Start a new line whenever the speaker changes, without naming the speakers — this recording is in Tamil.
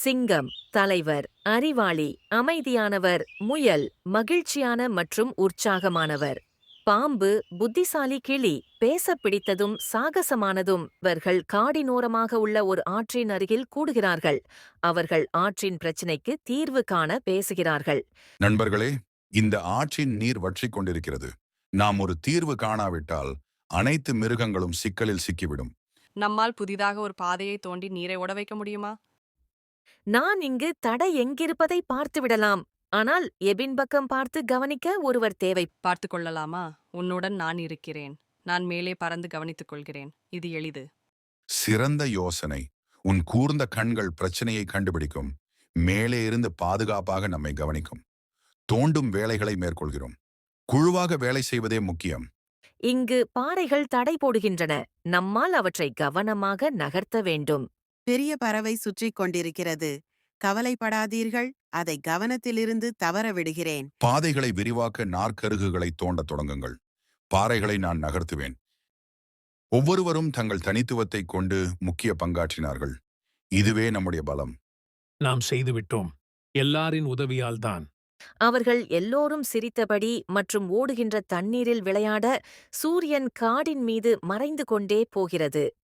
சிங்கம் தலைவர், அறிவாளி, அமைதியானவர். முயல் மகிழ்ச்சியான மற்றும் உற்சாகமானவர். பாம்பு புத்திசாலி கிளி, பேசப் பிடித்ததும் சாகசமானதும். இவர்கள் காடினோரமாக உள்ள ஒரு ஆற்றின் அருகில் கூடுகிறார்கள். அவர்கள் ஆற்றின் பிரச்சினைக்கு தீர்வு காண பேசுகிறார்கள்.
நண்பர்களே, இந்த ஆற்றின் நீர் வற்றிக் கொண்டிருக்கிறது. நாம் ஒரு தீர்வு காணாவிட்டால் அனைத்து மிருகங்களும் சிக்கலில் சிக்கிவிடும்.
நம்மால் புதிதாக ஒரு பாதையை தோண்டி நீரை ஓட வைக்க முடியுமா?
நான் இங்கு தடை எங்கிருப்பதை பார்த்துவிடலாம். ஆனால் எபின் பக்கம் பார்த்து கவனிக்க ஒருவர் தேவை.
பார்த்து கொள்ளலாமா? உன்னுடன் நான் இருக்கிறேன். நான் மேலே பறந்து கவனித்துக் கொள்கிறேன். இது எளிது.
சிறந்த யோசனை. உன் கூர்ந்த கண்கள் பிரச்சனையை கண்டுபிடிக்கும். மேலே இருந்து பாதுகாப்பாக நம்மை கவனிக்கும். தோண்டும் வேலைகளை மேற்கொள்கிறோம். குழுவாக வேலை செய்வதே முக்கியம்.
இங்கு பாறைகள் தடை போடுகின்றன. நம்மால் அவற்றை கவனமாக நகர்த்த வேண்டும்.
பெரிய பறவை சுற்றிக் கொண்டிருக்கிறது. கவலைப்படாதீர்கள், அதை கவனத்திலிருந்து தவற விடுகிறேன்.
பாதைகளை விரிவாக்க நாற்கருகுகளை தோண்டத் தொடங்குங்கள். பாறைகளை நான் நகர்த்துவேன். ஒவ்வொருவரும் தங்கள் தனித்துவத்தை கொண்டு முக்கிய பங்காற்றினார்கள். இதுவே நம்முடைய பலம்.
நாம் செய்துவிட்டோம். எல்லாரின் உதவியால்தான்.
அவர்கள் எல்லோரும் சிரித்தபடி மற்றும் ஓடுகின்ற தண்ணீரில் விளையாட. சூரியன் காடின் மீது மறைந்து கொண்டே போகிறது.